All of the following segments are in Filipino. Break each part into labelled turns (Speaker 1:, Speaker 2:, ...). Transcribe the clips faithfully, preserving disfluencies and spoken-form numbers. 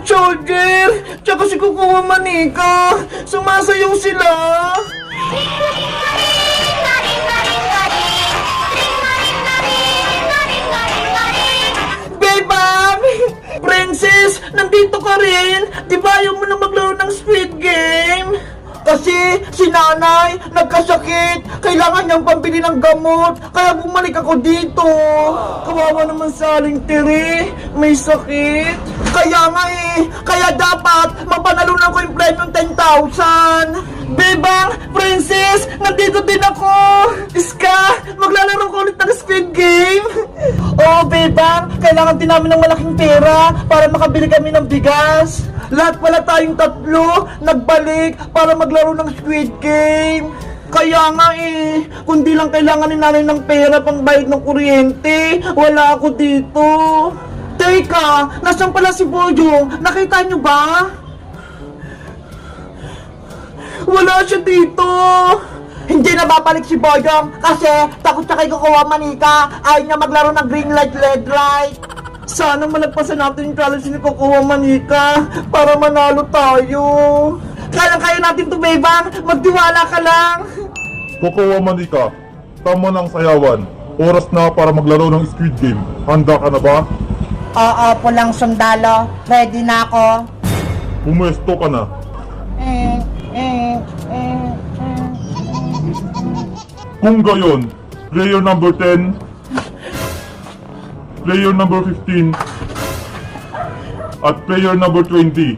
Speaker 1: Soldier, tsaka si Kukuha Manika, sumasayaw sila. Bebang! Princess, nandito ka rin. Di ba ayaw mo na maglaro ng Squid Game? Kasi si nanay nagkasakit, kailangan niyang pambili ng gamot, kaya bumalik ako dito. Kawawa naman sa Aling Tiri, may sakit. Kaya nga eh, kaya dapat mapanalunan ko yung premium ten thousand. Bebang, Princess, nandito din ako. Iska, maglalaro ko ulit ng Squid Game. Oo, Bebang, kailangan din namin ng malaking pera para makabili kami ng bigas. Lahat pala tayong tatlo nagbalik para maglaro ng Squid Game. Kaya nga eh, kundi lang kailangan ni nanay ng pera pang bayad ng kuryente, wala ako dito. Teka, nasan pala si Boyong? Nakita niyo ba? Wala siya dito. Hindi na babalik si Boyong kasi takot siya kay Kukuha Manika. Ayaw niya maglaro ng green light, red light. Sana malagpasan natin yung challenge ni Kukuha Manika para manalo tayo. Kaya-kaya natin to, Bebang. Magtiwala ka lang.
Speaker 2: Kukuha Manika, tama ng sayawan. Oras na para maglaro ng Squid Game. Handa ka na ba?
Speaker 3: Oo, pulang sundalo. Ready na ako.
Speaker 2: Pumuesto ka na.
Speaker 3: Eh, eh, eh, eh.
Speaker 2: Kung gayon, player number ten, player number fifteen, at player number twenty.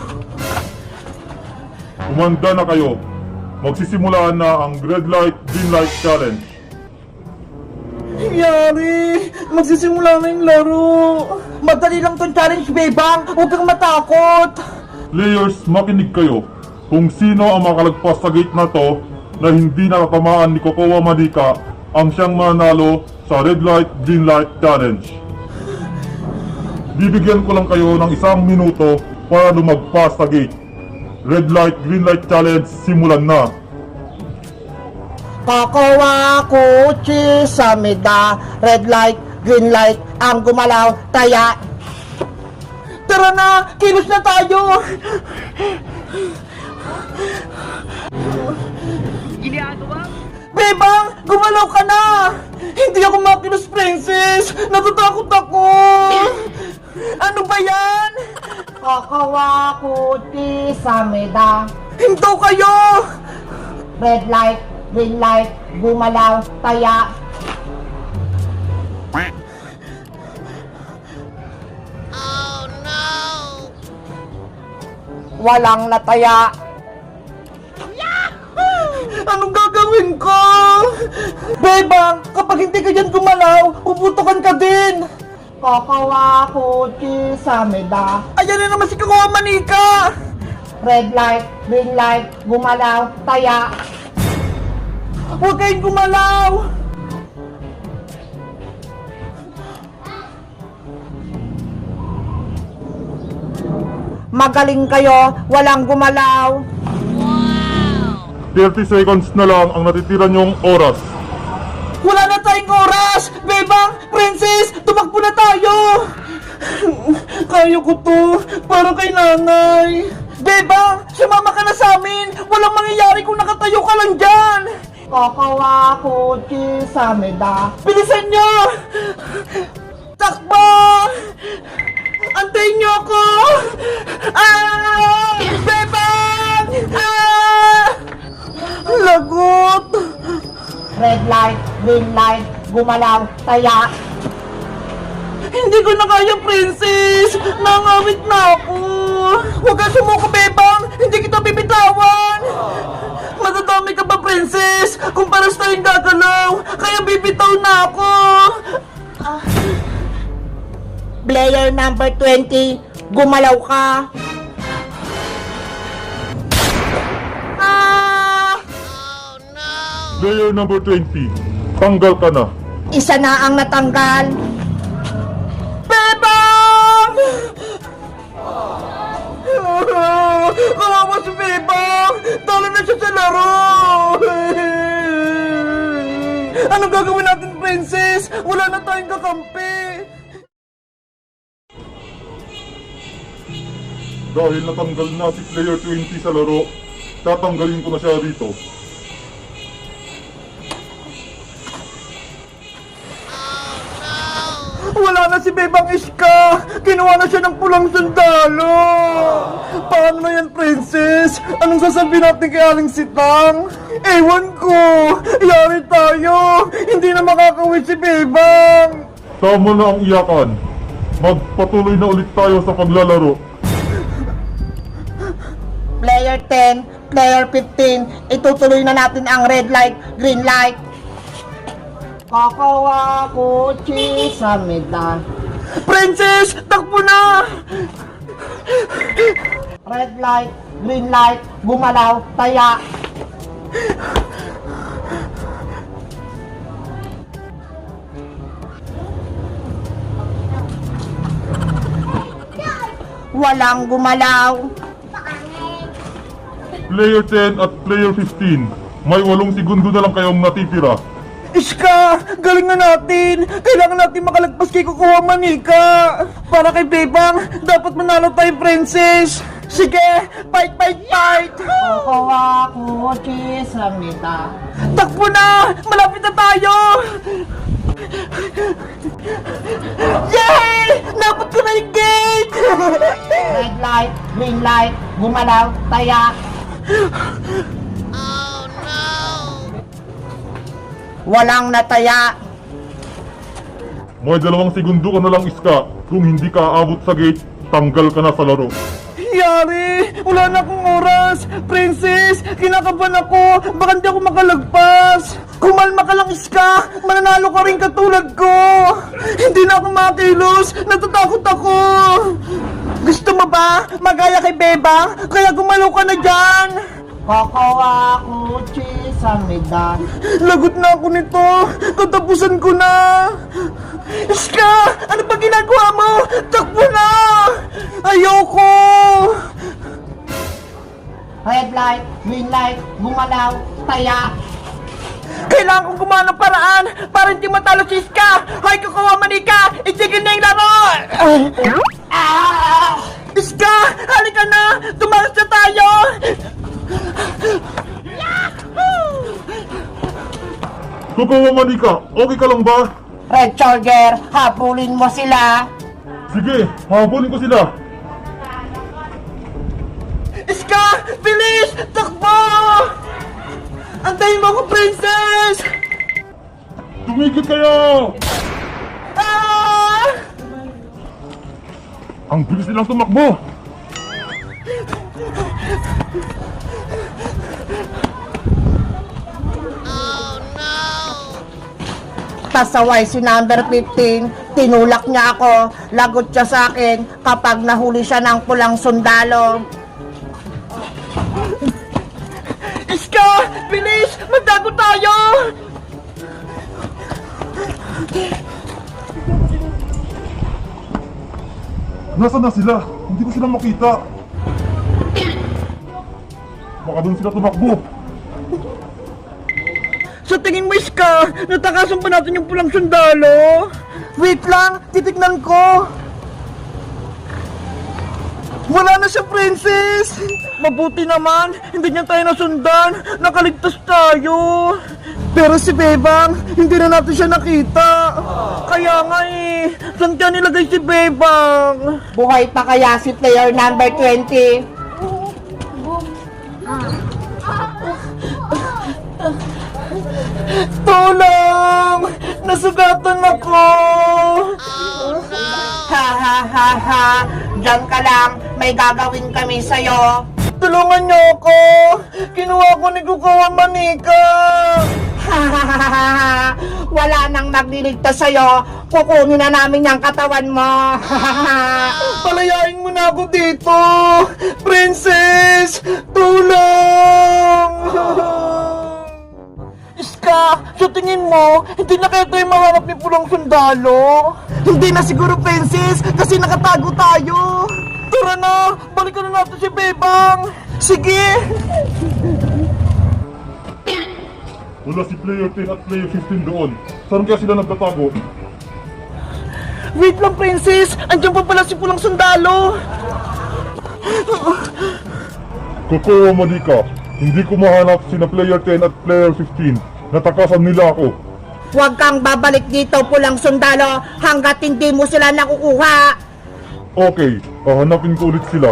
Speaker 2: Umanda na kayo. Magsisimula na ang red light, green light challenge.
Speaker 1: Yari, magsisimula na yung laro. Madali lang tong challenge, Bebang. Huwag kang matakot.
Speaker 2: Players, makinig kayo. Kung sino ang makalagpas sa gate na to na hindi nakatamaan ni Kukuha Manika ang siyang mananalo sa red light, green light challenge. Bibigyan ko lang kayo ng isang minuto para lumagpas sa gate. Red light, green light challenge, simulan na.
Speaker 3: Kukuha kuchi sa meda. Red light, green light, ang gumalaw, taya.
Speaker 1: Tara na, kilos na tayo. Bebang, gumalaw ka na. Hindi ako makilos, Princess. Natatakot ako. Ano ba yan?
Speaker 3: Kukuha kuchi sa meda.
Speaker 1: Hinto kayo.
Speaker 3: Red light, green light, gumalaw, taya. Walang nataya.
Speaker 1: Anong gagawin ko? Bebang, kapag hindi ka dyan gumalaw, puputukan ka din.
Speaker 3: Kukuha kuchi sa meda.
Speaker 1: Ayan na naman si Kukuha Manika.
Speaker 3: Red light, green light, gumalaw, taya.
Speaker 1: Huwag kayong gumalaw.
Speaker 3: Magaling kayo, walang gumalaw.
Speaker 2: thirty seconds na lang ang natitira niyong oras.
Speaker 1: Wala na tayong oras. Bebang, Princess, tumakbo na tayo. Kaya ko to, para kay nanay. Bebang, sumama ka na sa amin. Walang mangyayari kung nakatayo ka lang dyan.
Speaker 3: Kukuha kuchi sa meda.
Speaker 1: Bilisan nyo! Takbo! Antayin nyo ako! Ah! Bebang! Ah! Lagot!
Speaker 3: Red light, green light, gumalaw, taya.
Speaker 1: Hindi ko na kaya, Princess! Nangawit na ako! Huwag kang sumuko, Bebang! Hindi kita bibitawan! Matadami ka ba, Princess? Kung paras tayong gagalaw, kaya bibitaw na ako!
Speaker 3: Player number twenty, gumalaw ka.
Speaker 1: Ah!
Speaker 2: Player number twenty, tanggal ka na.
Speaker 3: Isa na ang natanggal.
Speaker 1: Bebang! Kawawa si Bebang! Talo na siya sa laro! Anong gagawin natin, Princess? Wala na tayong kakampi!
Speaker 2: Dahil natanggal na si player twenty sa laro, tatanggalin ko na siya dito.
Speaker 1: Wala na si Bebang Iska! Kinuha na siya ng pulang sundalo! Paano na yan, Princess? Anong sasabihin natin kay Aling Sitang? Ewan ko! Yari tayo! Hindi na makakawin si Bebang!
Speaker 2: Tama na ang iyakan. Magpatuloy na ulit tayo sa paglalaro.
Speaker 3: Player ten, player fifteen, itutuloy na natin ang red light, green light. Kakawa kotse sa medan.
Speaker 1: Princess! Takbo na!
Speaker 3: Red light, green light, gumalaw, taya. Walang gumalaw.
Speaker 2: Player ten at player fifteen, may walong segundo na lang kayong natitira.
Speaker 1: Iska! Galingan natin! Kailangan natin makalagpas kay Kukuha Manika! Para kay Bebang, dapat manalo tayo, Princess! Sige! Fight, fight, fight!
Speaker 3: Kakawa kotse sa medan.
Speaker 1: Takbo na! Malapit na tayo! Yay! Napot ko na yung gate!
Speaker 3: Red light, green light, gumalaw, taya. Walang nataya.
Speaker 2: May dalawang segundo ka na lang, Iska. Kung hindi ka aabot sa gate, tanggal ka na sa laro.
Speaker 1: Yari! Wala na akong oras! Princess! Kinakabahan ako! Baka hindi ako makalagpas! Kumalma ka lang, Iska! Mananalo ka rin katulad ko! Hindi na ako makilos! Natatakot ako! Gusto mo ba? Magaya kay Bebang? Kaya gumalaw ka na dyan!
Speaker 3: Kakawa kotse sa medan.
Speaker 1: Lagot na ako nito! Katapusan ko na! Iska! Ano ba ginagawa mo? Takbo na! Ayoko!
Speaker 3: Red light, green light, gumalaw, taya.
Speaker 1: Kailangan kong gumawa ng paraan para hindi matalo si Iska! Hoy, Kukuha Manika! Itigil na yung laro!
Speaker 3: Ah!
Speaker 1: Iska! Halika na! Tumakas na tayo!
Speaker 2: Kukuha Manika, okay ka lang ba?
Speaker 3: Red Charger, habulin mo sila.
Speaker 2: Sige, habulin ko sila.
Speaker 1: Iska! Bilis! Takbo! Antayin mo ako, Princess!
Speaker 2: Tumigil kayo!
Speaker 1: Ah!
Speaker 2: Ang bilis nilang tumakbo!
Speaker 3: Pasaway si number fifteen, tinulak niya ako, lagot siya sa akin kapag nahuli siya ng pulang sundalo.
Speaker 1: Iska! Bilis! Magtago tayo!
Speaker 2: Nasaan na sila? Hindi ko sila makita. Baka doon sila tumakbo.
Speaker 1: Sa tingin mo, Iska, natakasan pa natin yung pulang sundalo? Wait lang, titignan ko. Wala na siya, Princess! Mabuti naman, hindi niya tayo nasundan. Nakaligtas tayo. Pero si Bebang, hindi na natin siya nakita. Kaya nga eh, saan kaya nilagay si Bebang?
Speaker 3: Buhay pa kaya si player number twenty?
Speaker 1: Tulong! Nasugatan ako!
Speaker 3: Ha ha ha ha! Diyan ka lang, may gagawin kami sa'yo.
Speaker 1: Tulungan niyo ako! Kinuha ko ni Kukuha Manika!
Speaker 3: Ha ha ha ha ha! Wala nang magliligtas sa'yo. Kukunin na namin yung katawan mo. Ha ha ha!
Speaker 1: Palayain mo na ako dito! Princess! Tulong! Iska, sa tingin mo, hindi na kaya tayo maharap ni Pulang Sundalo? Hindi na siguro, Princess, kasi nakatago tayo! Tara na! Balikan na natin si Bebang! Sige!
Speaker 2: Wala si player ten at player fifteen doon. Saan kaya sila nagtatago?
Speaker 1: Wait lang, Princess! Andiyan pa pala si Pulang Sundalo!
Speaker 2: Kokowa Monica, hindi ko mahanap sina player ten at player fifteen. Natakasan nila ako.
Speaker 3: Huwag kang babalik dito, pulang sundalo, hanggat hindi mo sila nakukuha.
Speaker 2: Okay, hahanapin ko ulit sila.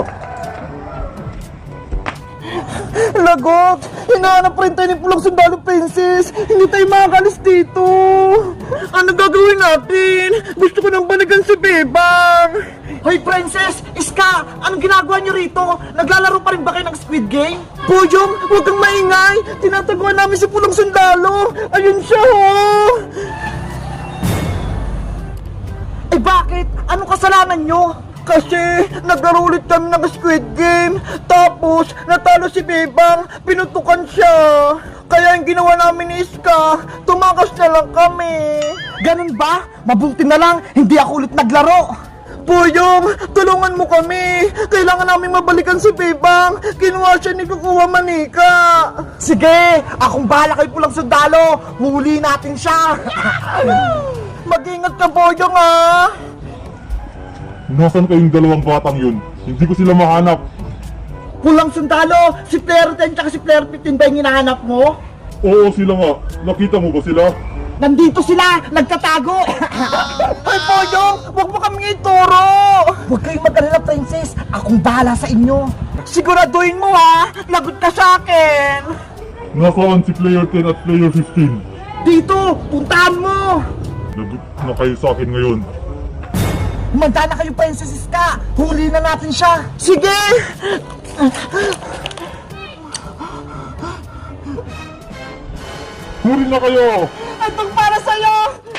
Speaker 1: Lagot! Hinahanap rin tayo ni Pulang Sundalo, Princess! Hindi tayo makakalis dito! Ano gagawin natin? Gusto ko nang balikan si Bebang! Hoy, Princess! Iska! Anong ginagawa niyo rito? Naglalaro pa rin ba kayo ng Squid Game? Boyong! Huwag kang maingay! Tinataguan namin si Pulang Sundalo! Ayun siya, oh! Eh bakit? Anong kasalanan nyo? Kasi naglaro ulit kami ng Squid Game, tapos natalo si Bebang, pinutukan siya. Kaya yung ginawa namin ni Iska, tumakas na lang kami. Ganun ba? Mabuti na lang, hindi ako ulit naglaro. Boyong, tulungan mo kami. Kailangan namin mabalikan si Bebang. Kinuha siya ni Kukuha Manika. Sige, akong bahala kay Pulang Sundalo. Huli natin siya. Mag-ingat ka, Boyong, ah.
Speaker 2: Nasaan kayong dalawang batang yun? Hindi ko sila mahanap.
Speaker 1: Pulang Sundalo, si Player ten at si Player fifteen ba yung hinahanap mo?
Speaker 2: Oo, sila nga. Nakita mo ba sila?
Speaker 1: Nandito sila, nagtatago! Ay, Boyong, huwag mo kami ituro! Huwag kayong mag-alala, Princess. Akong bahala sa inyo. Siguraduhin mo, ha? Lagot ka sa akin!
Speaker 2: Nasaan si player ten at player fifteen?
Speaker 1: Dito, puntahan mo!
Speaker 2: Lagot na kayo sa akin ngayon.
Speaker 1: Manda na kayo, Princess Iska! Huli na natin siya! Sige!
Speaker 2: Huli na kayo!
Speaker 1: Itong para sa'yo!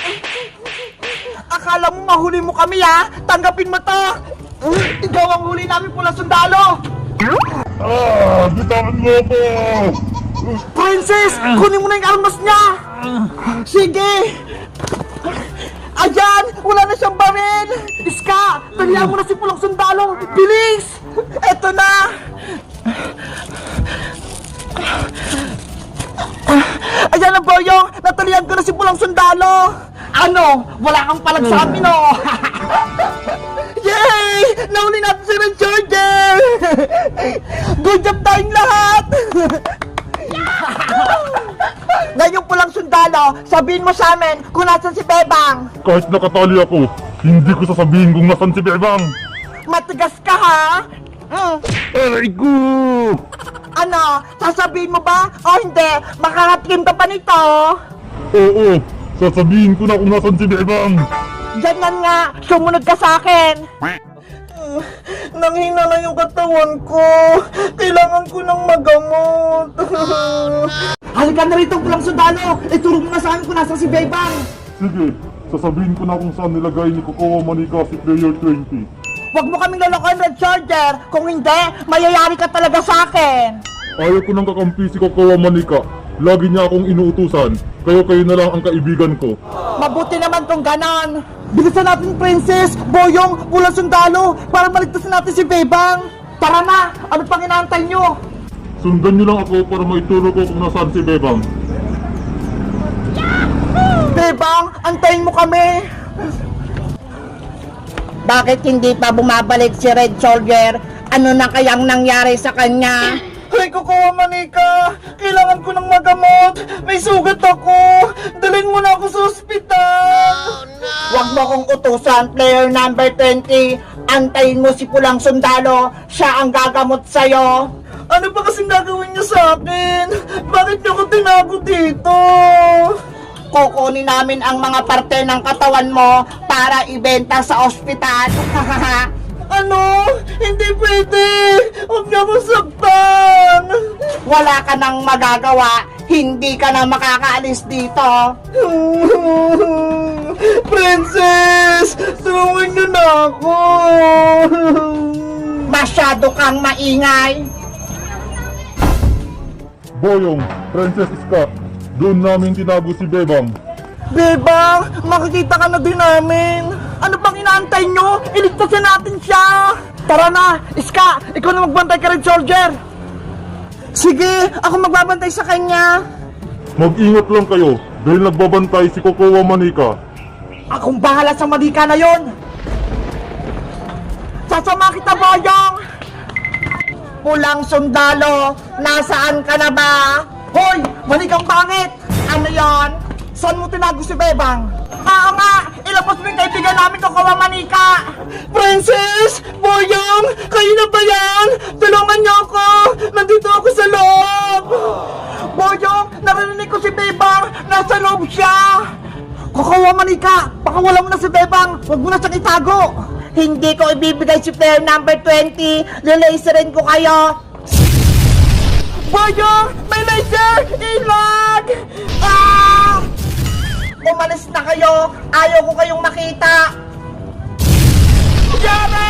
Speaker 1: Akala mo mahuli mo kami, ha? Tanggapin mo to! Ikaw ang huli namin, Pulang Sundalo!
Speaker 2: Ah! Bitawan mo ako!
Speaker 1: Princess! Kunin mo na yung armas niya! Sige! Ayan! Wala na siyang baril! Iska! Talihan mo na si Pulang Sundalo! Bilis! Eto na! Ayan na, Boyong! Natalihan ko na si Pulang Sundalo! Ano? Wala kang palag sa amin, oh! Yay! Nahuli natin si Red Charger! Good job tayong lahat! Ngayon Pulang Sundalo, sabihin mo sa amin kung nasan si Bebang!
Speaker 2: Kahit nakatali ako, hindi ko sasabihin kung nasan si Bebang!
Speaker 1: Matigas ka, ha? Mm.
Speaker 2: Aray ko!
Speaker 1: Ano? Sasabihin mo ba? O hindi? Makakatrim ka pa nito?
Speaker 2: Oo, sasabihin ko na kung nasan si Bebang!
Speaker 1: Ganyan nga, sumunod ka sa akin! Nanghina na yung katawan ko. Kailangan ko ng magamot. Halika na rito, Pulang Sundalo. Ituro mo na sa amin kung nasa si Bebang.
Speaker 2: Sige, sasabihin ko na kung saan nilagay ni Kokowa Manika si player twenty.
Speaker 1: Huwag mo kaming lalakoy, Red Charger. Kung hindi, mayayari ka talaga sa akin.
Speaker 2: Ayaw ko nang kakampi si Kokowa Manika. Lagi niya akong inuutusan. Kayo kayo na lang ang kaibigan ko.
Speaker 1: Mabuti naman kung ganon. Bilisan natin, Princess, Boyong, Pulang Sundalo, para maligtasin natin si Bebang. Tara na! Ano pang inaantay nyo?
Speaker 2: Sundan niyo lang ako para maituro ko kung nasaan si Bebang.
Speaker 1: Bebang, antayin mo kami.
Speaker 3: Bakit hindi pa bumabalik si Red Soldier? Ano na kayang nangyari sa kanya?
Speaker 1: Ay, Kokowa Manika! Kailangan ko ng magamot! May sugat ako! Dalhin mo na ako sa ospital!
Speaker 3: Huwag mo kong utusan, player number twenty. Antayin mo si Pulang Sundalo. Siya ang gagamot sa'yo.
Speaker 1: Ano ba kasing gagawin niyo sa akin? Bakit niyo ako tinago dito?
Speaker 3: Kukunin namin ang mga parte ng katawan mo para ibenta sa ospital.
Speaker 1: Ano? Hindi pwede! Huwag niyo akong saktan!
Speaker 3: Wala ka nang magagawa. Hindi ka na makakaalis dito.
Speaker 1: Princess! Tulungan niyo na ako!
Speaker 3: Masyado kang maingay.
Speaker 2: Boyong, Princess Iska, doon namin tinago si Bebang.
Speaker 1: Bebang, makikita ka na din namin. Ano pang inaantay nyo? Iligtas na natin siya. Tara na, Iska, ikaw na magbantay ka, Red Soldier. Sige, ako magbabantay sa kanya.
Speaker 2: Mag-ingat lang kayo dahil nagbabantay si Kokowa Manika.
Speaker 1: Akong bahala sa Manika na yon. Sasama kita, Boyong.
Speaker 3: Pulang sundalo, nasaan ka na ba?
Speaker 1: Hoy! Manikang pangit!
Speaker 3: Ano yon? Saan mo tinago si Bebang?
Speaker 1: Oo nga! Ilabas mo yung kaibigan namin Kokowa Manika! Princess! Boyong! Kayo na ba yan? Tulungan niyo ako! Nandito ako sa loob! Boyong! Narinig ko si Bebang! Nasa loob siya! Kokowa Manika! Pakawalan mo na si Bebang! Huwag mo na siyang itago!
Speaker 3: Hindi ko ibibigay si player number twenty. Lilaserin ko kayo.
Speaker 1: Boyong! May laser! Ilag! Ah!
Speaker 3: Umalis na kayo. Ayaw ko kayong makita.
Speaker 1: Yara!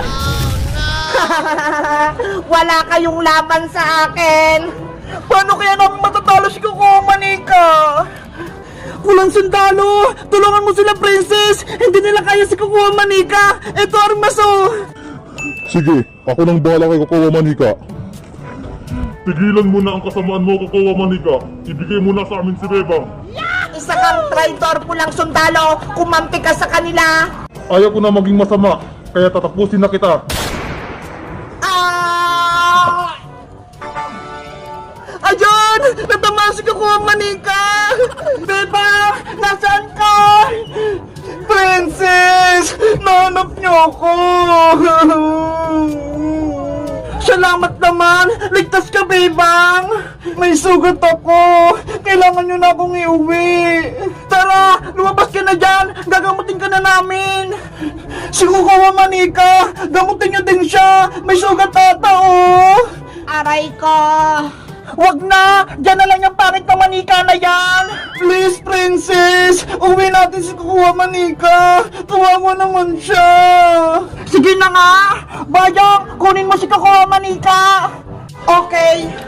Speaker 3: Wala kayong laban sa akin.
Speaker 1: Paano kaya namin matatalo si Kokowa Manika? Walang sundalo! Tulungan mo sila, Princess! Hindi nila kaya si Kokowa Manika! Ito, Armaso!
Speaker 2: Sige, ako nang bahala kay Kokowa Manika. Tigilan mo na ang kasamaan mo, Kokowa Manika. Ibigay mo na sa amin si Bebang.
Speaker 3: Isa kang traitor, pulang sundalo. Kumampi ka sa kanila.
Speaker 2: Ayaw ko na maging masama, kaya tatapusin na kita.
Speaker 3: Ah!
Speaker 1: Ayun! Natamaan si Kokowa Manika! Beba! Nasaan ka? Princess! Nahanap niyo ako! Salamat naman! Ligtas ka, Bebang! May sugat ako! Kailangan niyo na akong iuwi! Tara! Lumabas ka na dyan! Gagamutin ka na namin! Si Kokowa Manika! Gamutin niyo din siya! May sugat ata, oh!
Speaker 3: Aray ko.
Speaker 1: Wag na! Diyan na lang yung pangit na manika na yan! Please, Princess! Uwi natin si Kokowa Manika! Kawawa naman siya! Sige na nga! Bayang, kunin mo si Kokowa Manika!
Speaker 3: Okay.